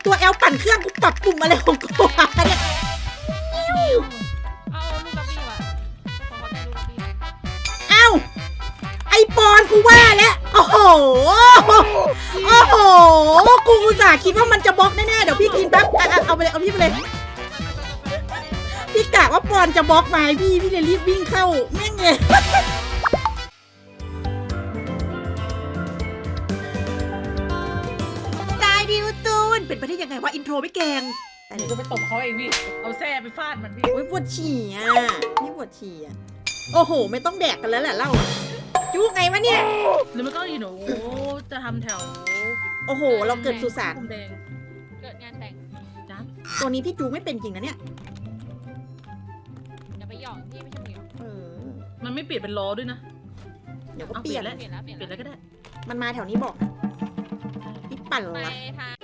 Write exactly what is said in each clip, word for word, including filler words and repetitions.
ตัวแอลปั่นเครื่องกูปรับปุ่มอะไรของกูอะเนี่ยเอาลูกกระบี่ว่ะขอขอได้ลูกกระบี่เอ้าไอปอนกูว่าแล้วโอ้โหโอ้โหกูอุตส่าห์คิดว่ามันจะบล็อกแน่ๆเดี๋ยวพี่กินแป๊บอ่ะเอาไปเลยเอาพี่ไปเลยพี่กะว่าปอนจะบล็อกมาพี่พี่เลยรีบวิ่งเข้าแม่งเลยสไตล์ดิวตูนเป็นไปได้ยังไงวะอินโทรไม่เก่งหนูจะไปตบเขาเองพี่เอาแส้ไปฟาดมันพี่โอ้ยปวดฉี่อ่ะนี่ปวดฉี่อ่ะโอ้โหไม่ต้องแดกกันแล้วแหละเล่าจุ๊กไงวะเนี่ยหรือมันก็อยู่หนูจะทำแถวโอ้โหเราเกิดสุสานพรมแดงเกิดงานแต่งจ้าตัวนี้พี่จูไม่เป็นจริงนะเนี่ยอย่าไปหยอกพี่ไม่ใช่หยอกเออมันไม่เปลี่ยนเป็นล้อด้วยนะเดี๋ยวก็เอาเปลี่ยนเปลี่ยนแล้วเปลี่ยนแล้วเปลี่ยนเปลี่ยนแล้แล้ว วก็ได้มันมาแถวนี้บอกนะพี่ปั่นไปละทาง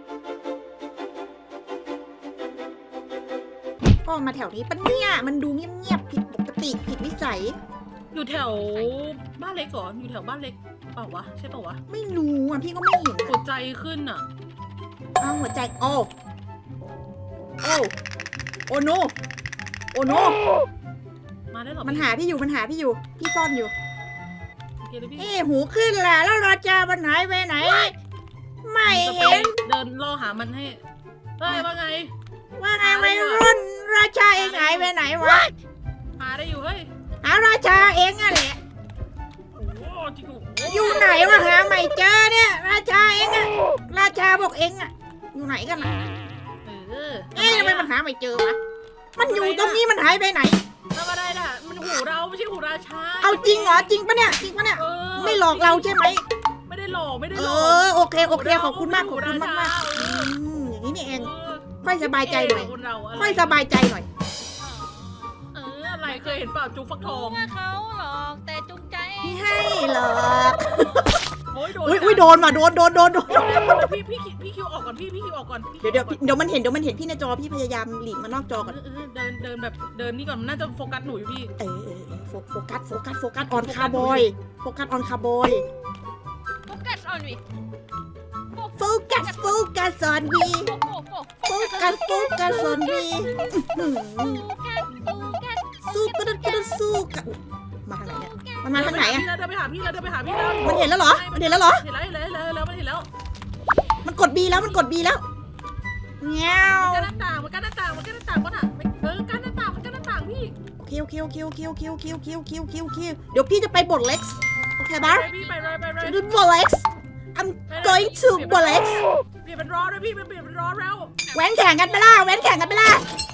พ่อมาแถวนี้ปะเนี่ยมันดูเงียบๆผิดปกติผิดวิสัยอยู่แถวบ้านเล็กก่อนอยู่แถวบ้านเล็กเปล่าวะใช่เปล่าวะไม่รู้อ่ะพี่ก็ไม่เห็นหัวอ่ะใจขึ้นอ่ะอ้าวหัวใจโอ้โอ้โอโนโอโนมาได้หรอมันหาพี่อยู่มันหาพี่อยู่พี่ซ่อนอยู่โอเคเลยพี่เอ้หูขึ้นแหละแล้วราจามันหายไปไหน ไม่จะไปเห็นเดินล่อหามันให้เฮ้ยว่าไงว่าไงวัยรุ่นราชาเองหายไปไหนวะหาได้อยู่เฮ้ยหาราชาเองอะแหละโอ้โหจริงโอ้โหอยู่ไหนวะหาไม่เจอเนี่ย ราชาเองอะราชาบอกเองอะอยู่ไหนกันอะเออเอ๊ะทำไมมันหาไม่เจอวะมันอยู่ตรงนี้มันหายไปไหนทำอะไรน่ะมันหูเราไม่ใช่หูราชาเอาจริงเหรอจริงปะเนี่ยจริงปะเนี่ยเออไม่หลอกเราใช่ไหมไม่ได้หลอกไม่ได้เอหลอกอโอเคโอเคขอบคุณมากขอบคุณมากมากอืมอย่างนี้นี่เองค่อยสบายใจหน่อยค่อยสบายใจหน่อยเอออะไรเคยเห็นเปล่าจุ๊กฟักทองว่าเขาหลอกแต่จูงใจพี่ให้หรอกโอ้ยโดนอุ้ยอุ้ยโดนว่ะโดนโดนโดนโดนพี่พี่พี่คิวออกก่อนพี่พี่คิวออกก่อนเดี๋ยวเดี๋ยวเดี๋ยวมันเห็นเดี๋ยวมันเห็นพี่ในจอพี่พยายามหลีกมานอกจอก่อนเดินเดินแบบเดินนี่ก่อนน่าจะโฟกัสหนูอยู่พี่เออเออเออโฟโฟกัสโฟกัสโฟกัสออนคาร์บอยโฟกัสออนคาร์บอยโฟกัสออนวิโฟกัสโฟกัสออนวีโฟกัสโฟโฟกัสโฟกัสออนวีกัสโฟกัสสู้กระดกระดสู้กันมาทางไหนเนี่ยมันมาทางไหนอะพี่แล้วเดินไปหาพี่แล้วเดินไปหาพี่แล้วมันเห็นแล้วเหรอมันเห็นแล้วเหรอเห็นแล้วเห็นแล้วเห็นแล้วมันเห็นแล้วมันกดบีแล้วมันกดบีแล้วเงี้ยวมันกั้นหน้าต่างมันกั้นหน้าต่างมันกั้นหน้าต่างมันอ่ะเออกั้นหน้าต่างมันกั้นหน้าต่างพี่โอเคโอเคโอเคโอเคโอเคโอเคโอเคโอเคโอเคโอเคเดี๋ยวพี่จะไปบทเล็กซ์โอเคปะไปพี่ไปเลยไปเลยจะดูบทเล็กซ์ I'm going to บทเล็กซ์เปลี่ยนเป็นร้อนเลยพี่เปลี่ยนเป็นร้อนแล้วแว้นแข่งกันไปล่ะแว้นแข่งกันไปล่ะ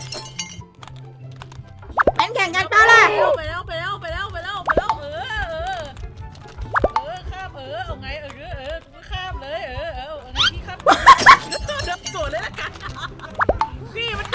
แว้นแข่งกันเปล่าล่ะไปแล้วไปแล้วไปแล้วไปแล้วไปแล้วเออเออเออข้ามเออเอาไงเออเออข้ามเลยเออเออเอาไงพี่ข้ามเดินสวนเลยละกันพี่มัน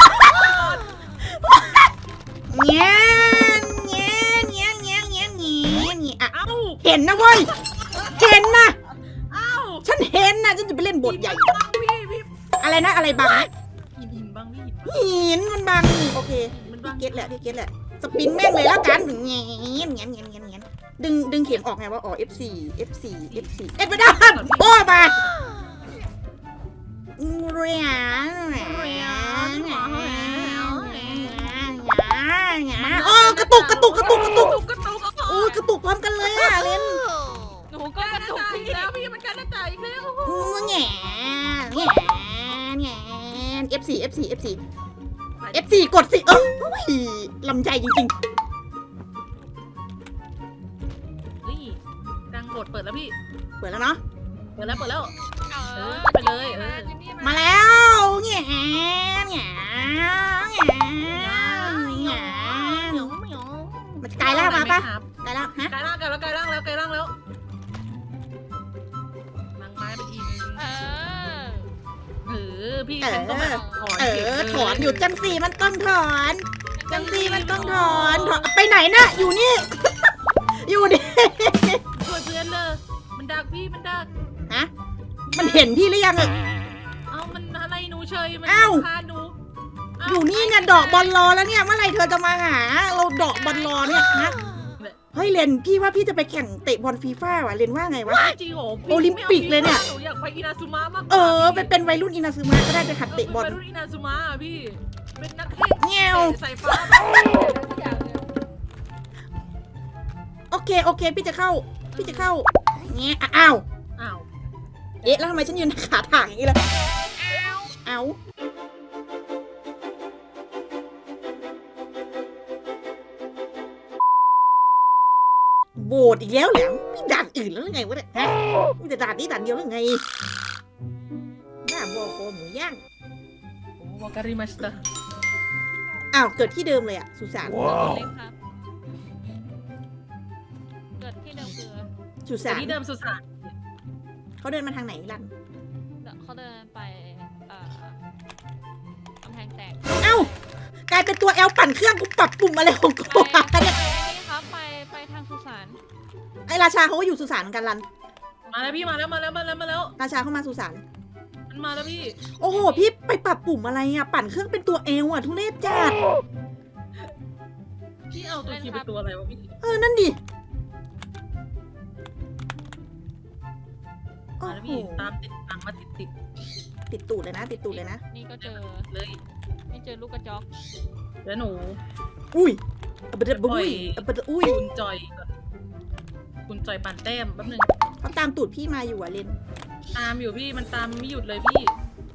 เงี้ยเงี้ยเงี้ยเงี้ยเงี้ยเงี้ยเงี้ยอ่ะเอ้าเห็นนะเว้ยเห็นนะเอ้าฉันเห็นนะฉันจะไปเล่นบทใหญ่พี่พี่อะไรนะอะไรบังนะหินหินบ้างพี่หินมันบังโอเคมันพี่บ้างเก็ตแหละพี่เก็ตแหละสปินแม่งเลยแล้วกันเงี้ยเงี้ยเงี้ยเงี้ยเงี้ยเงี้ยดึงดึงเข็มออกไงว่าอ๋อ เอฟ โฟร์ เอฟ โฟร์ เอฟ โฟร์ เอ็ดไม่ได้โอ้มาเรียนโอ้กระตุกกระตุกกระตุกกระตุกกระตุกโอ้กระตุกพร้อมกันเลยอ่ะเลนหนูก็ก็กกระระตุตุกกพี่อีกแล้วพี่มันการหน้าต่างอีกแล้วแง่แง่แง่ เอฟ โฟร์ เอฟ โฟร์ เอฟ โฟร์ เอฟ โฟร์ กดสิเออโอ้ยลำใจจริงนี่ดังบทเปิดแล้วพี่ๆเปิดแล้วเนาะเปิดแล้วเปิดแล้วเออไปเลยเออมาแล้วแง่แง่แง่มันกลายร่างมาปะกลายร่างฮะกลายร่างกันแล้วกลายร่างแล้วกลายร่างแล้วนางไม้เป็นอีกเออเออพี่ฉันก็แบบถอนเออถอนอยู่จังสีมันต้องถอนจังสีมันต้องถอนถอนไปไหนนะอยู่นี่ อยู่นี่ช่วยเพื่อนเลยมันดักพี่มันดักฮะมันเห็นพี่หรือยังอะเอามันอะไรหนูเฉยมันอ้าวคาหนูอยู่นี่เนี่ยดอกบอลรอแล้วเนี่ยเมื่อไหร่เธอจะมาหาเราดอกบอลรอเนี่ยฮะเฮ้ยเลนพี่ว่าพี่จะไปแข่งเตะบอลฟีฟ่าว่ะเลนว่าไงวะจริงเหรอโอลิมปิกเลยเนี่ยหนูอยากไปอินาซุมะมากกว่าเออเป็นเป็นวัยรุ่นอินาซึมะก็ได้ไปหัดเตะบอลเป็นวัยรุ่นอินาซุมะอะพี่เป็นนักเทศแง่วสายฟ้าแบบทุกอย่างเลยโอเคโอเค พี่จะเข้า พี่จะเข้าแง่อ้าวอ้าวเอ๊ะแล้วทำไมฉันยืนขาถ่างอย่างนี้ล่ะเอาโบดอีกแล้วเหรอมีด่านอื่นแล้วหรือไงวะเนี่ยฮะมีแต่ด่านนี้ด่านเดียวหรือไงหน้าบอโคหมูย่างโอ้วาการิมาสตาอ้าวเกิดที่เดิมเลยอะสุสานเล็กครับเกิดที่เดิมคือสุแต่สานที่เดิมสุสานเขาเดินมาทางไหนลันเขาเดินไปเอ่อกำแพงแตกเอ้ากลายเป็นตัวแอลปั่นเครื่องกูปรับปุ่มอะไรของกูไปวะไปเนี่ยนี่ครับไปไปทางสุสานไอราชาเขาก็อยู่สุสานเหมือนกันลันมาแล้วพี่มาแล้วมาแล้วมาแล้วมาแล้วราชาเข้ามาสุสานมันมาแล้วพี่โอ้โห พี่ไปปรับปุ่มอะไรอ่ะ ปั่นเครื่องเป็นตัวเอลอ่ะ ทุเรศจัดพี่เอาตัวคิวเป็นตัวอะไรวะพี่เออ นั่นดิโอ้มาแล้วโหพี่ตามติดตามมาติดติดติดตูดเลยนะ ติดตูดเลยนะนี่ก็เจอเลยนี่เจอลูกกระจอกแล้วหนูอุ้ยเอาไปเด็ดบุ้ยเอาไปเด็ดอุ้ยคุณจอยก่อนคุณจอยปั่นแต้มแป๊บนึงเขาตามตูดพี่มาอยู่อ่ะเลนตามอยู่พี่มันตามไม่หยุดเลยพี่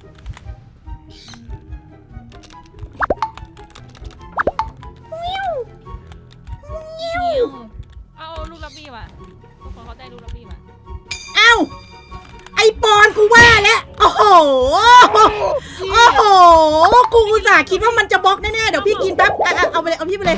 เอาลูกลับบี้ว่ะทุกคนเขาได้ลูกลับบี้ว่ะเอ้า ไอปอนกูว่าแล้ว โอ้โห โอ้โห กูอุตส่าห์คิดว่ามันจะบล็อกแน่ๆ เดี๋ยวพี่กินแป๊บอ่ะอ่ะเอาไปเลย เอาพี่ไปเลย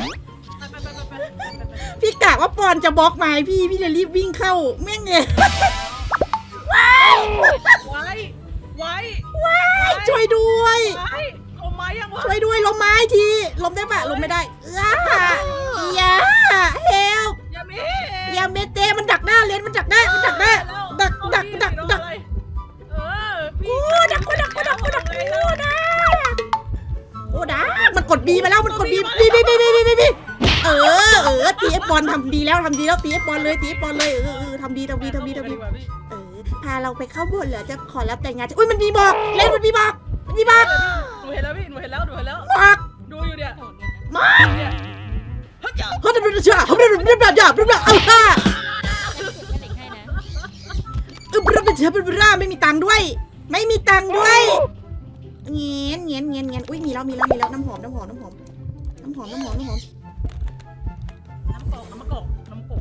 พี่กะว่าปอนจะบล็อกมาให้พี่ พี่เลยรีบวิ่งเข้า แม่งเลยไว้ไว้ช่วยด้วยไว้เอาไม้ยังวะช่วยด้วยลมไม้ทีลมได้ปะลมไม่ได้เอ้าอย่าเฮลอย่ามีอย่าเมเตมันดักหน้าเลนมันดักหน้ามันดักหน้าดักดักดักดักเออพี่โอ้ดักกูดักกูดักกูดักกูดักโอ้ดักมันกดบีมาแล้วมันกดบีบีบีบีบีบีบีเออเออตีเอฟบอลทำดีแล้วทำดีแล้วตีเอฟบอลเลยตีเอฟบอลเลยเออเออทำดีทำดีทำดีทำดีเออพาเราไปเข้าบทเหรอจะขอรับแต่งงานอุ้ยมันมีบอกเล่นมันมีบอกมันมีบอกหนูเห็นแล้วพี่หนูเห็นแล้วหนูเห็นแล้วบอกดูอยู่เนี่ยโหดเลยนะมาเนี่ยเฮ้ยเขาจะเป็นเชื่อเขาจะเป็นแบบแบบแบบแบบเอาค่ะให้เด็กให้นะเออเป็นเชื่อเป็นร่าไม่มีตังค์ด้วย ไม่มีตังค์ด้วยเงี้ยเงี้ยเงี้ยเงี้ยอุ้ยมีแล้วมีแล้วมีแล้วน้ำหอมน้ำหอมน้ำหอมน้ำหอมน้ำหอมน้ำหอมน้ำกอกน้ำกอกน้ำกอก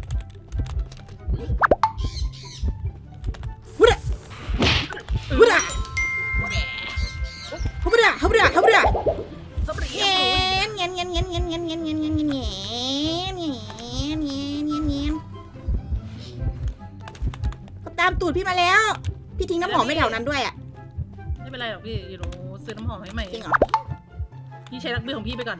วุ้ดอะวุ้ดอะฮับดะฮับดะฮับดะสปริเงี้ยเงี้ยเงี้ยเงี้ยเงี้ยเงี้ยเงี้ยเงี้ยเงี้ยเงี้ยเงี้ยเงี้ยเงี้ยเงี้ยเขาตามตูดพี่มาแล้ว พี่ทิ้งน้ำหอมไม่แถวนั้นด้วยอ่ะไม่เป็นไรหรอกพี่อยู่หนูซื้อน้ำหอมให้ใหม่จริงเหรอพี่ใช้รักเบี้ยของพี่ไปก่อน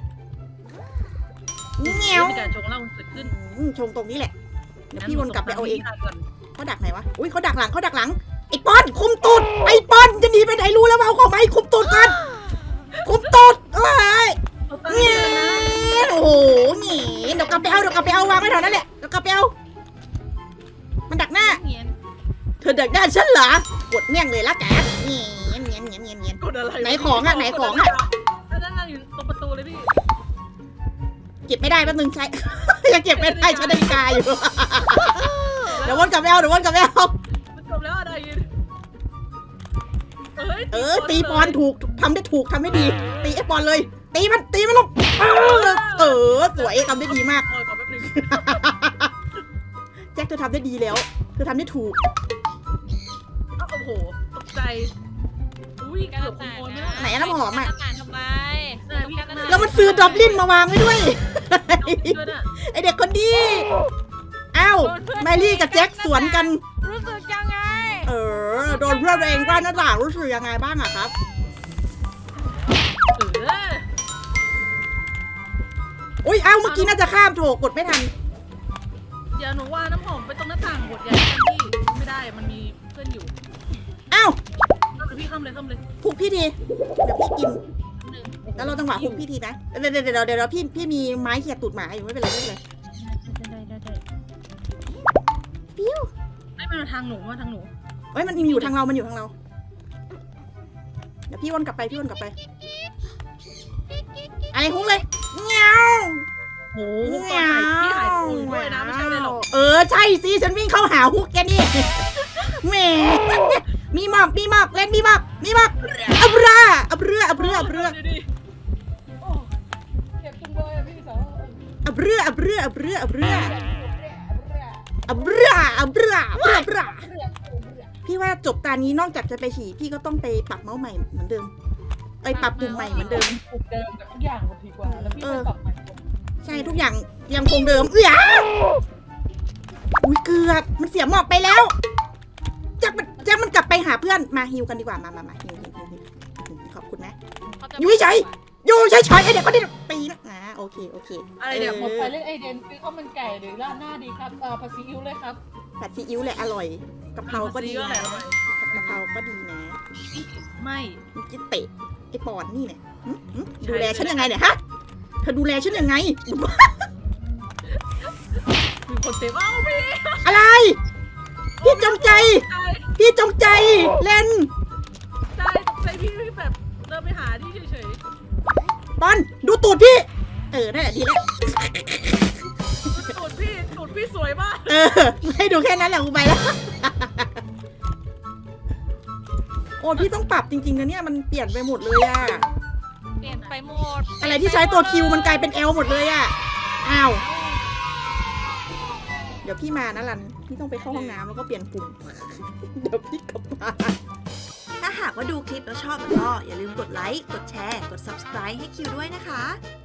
เงี้ยวมีการชงเหล้าเกิดขึ้นชงตรงนี้แหละเดี๋ยวพี่วนกลับไปเอาเองงั้นหนูส่งตังค์ให้พี่ก่อนเขาดักไหนวะ อุ้ยเขาดักหลังเขาดักหลัง ไอ้ปอนคุมตูด ไอ้ปอนจะหนีไปไหนรู้แล้วว่าเอาของมาให้คุมตูดกันคุมตูดเอ้ยเอาตังค์เงี้ให้ยโอ้โหเงี้ยเดี๋ยวกลับไปเอาเดี๋ยวกลับไปเอาวางไว้แถวนั้นแหละเดี๋ยวกลับไปเอา มันดักหน้าเงี้ยเธอดักหน้าฉันเหรอกดเมี่ยงเลยละกันเงี้ยเงี้ยเงี้ยเงี้ยเงี้ยกดอะไรไหนของอะไหนของอะนั่งนั่งอยู่ตรงประตูเลยพี่เก็บไม่ได้แป๊บนึงใช้ ยังเก็บไม่ได้ใช้นาฬิกาอยู่ เดี๋ยววนกลับไปเอาเดี๋ยววนกลับไปเอามันจบแล้วอะไรยืนเอ้ยเออตีปอนถูกทำได้ถูกทำได้ดี ตีไอ้ปอนเลย ตีมันตีมันลงเออเออสวยทำได้ดีมากเออขอแป๊บนึงแจ็คเธอทำได้ดีแล้ว เธอทำได้ถูกอ้าวโอ้โหตกใจอุ้ยการเกือบขต่างโมยนะไม่ได้ไหนอะน้ำหอมอะการต่างทำไมแล้วมันซื้อดอบลินมาวางไว้ด้วยด้วยน่ะไอเด็กคนดีอ้าวแมรี่กับแจ็คสวนกันรู้สึกยังไงเออโดนเพื่อนตัวเองว่าหน้าต่างรู้สึกยังไงบ้างอะครับเอออุ้ยเอ้าเมื่อกี้น่าจะข้ามโถกดไม่ทันเดี๋ยวหนูว่าน้ำหอมไปตรงหน้าต่างบทใหญ่กันพี่ไม่ได้มันมีเพื่อนอยู่เอ้าเอาเลยพี่ข้ามเลยข้ามเลยพุกพี่ทีเดี๋ยวพี่กินหนึ่งแล้วเราจังหวะพุกพี่ทีนะเดี๋ยวเดี๋ยวเดี๋ยวเดี๋ยวพี่พี่มีไม้เขี่ยตูดหมาอยู่ไม่เป็นไรไม่เป็นไรได้ได้ได้ทางหนูมาทางหนูเฮ้ยมันอยู่ทางเรา มันอยู่ทางเรา เดี๋ยวพี่วนกลับไปพี่วนกลับไปอะไรฮุ้งเลยเงี้ยวโอ้โหตอนหายพี่หายตัวอยู่ด้วยนะไม่ใช่เลยหรอกเออใช่สิฉันวิ่งเข้าหาฮุกแกนี่แหมมีหมอกมีหมอกเล่นมีหมอกมีหมอกอับราอับเรืออับเรืออับเรือโอ้เก็บจังเลยอะพี่สาวอับเรืออับเรืออับเรืออับเรืออับเรืออับเรืออับเรืออับเรือพี่ว่าจบตานี้นอกจากจะไปฉี่พี่ก็ต้องไปปรับเมาส์ใหม่เหมือนเดิมไปปรับปุ่มใหม่เหมือนเดิมปลุกเดิมแต่ทุกอย่างมันดีกว่าแล้วพี่ไปปรับใหม่ใช่ทุกอย่างยังคงเดิมเอื้ออุ้ยเกือบมันเสียหมอกไปแล้วจักมันจักมันกลับไปหาเพื่อนมาฮิวกันดีกว่ามามามาฮิวฮิวฮิวฮิวขอบคุณนะเขาจะอยู่เฉย อยู่เฉยๆไอเด็กก็ได้ปีนะอ่าโอเคโอเคอะไรเดี๋ยวผมไปเล่นไอเดนซื้อข้าวมันไก่หรือราดหน้าดีครับเอ่อผัดซีอิ๊วเลยครับผัดซีอิ๊วแหละอร่อยกะเพราก็ดีนะกะเพราก็ดีนะไม่มันจะเตะไอปอนนี่เนี่ยหึหึดูแลฉันยังไงเนี่ยฮะเธอดูแลฉันยังไงมีคนเต็มเอ้าพี่อะไร พี่จงใจใจพี่จงใจเล่นใจใจพี่พี่แบบเดินไปหาที่เฉยปอนดูตูดพี่ เออนั่นแหละดีแล้วๆตูดพี่ตูดพี่สวยมากเออให้ดูแค่นั้นแหละกูไปแล้ว โอ้พี่ต้องปรับจริงๆนะเนี่ยมันเปลี่ยนไปหมดเลยอะเปลี่ยนไปหมดอะไรที่ใช้ตัวคิวมันกลายเป็นเอลหมดเลยอะอ้าว เดี๋ยวพี่มานะรัน พี่ต้องไปเข้าห้องน้ำแล้วก็เปลี่ยนปุ่ม เดี๋ยวพี่กลับมา ถ้าหากว่าดูคลิปแล้วชอบก็อย่าลืมกดไลค์ กดแชร์ กด ซับสไครบ์ ให้คิวด้วยนะคะ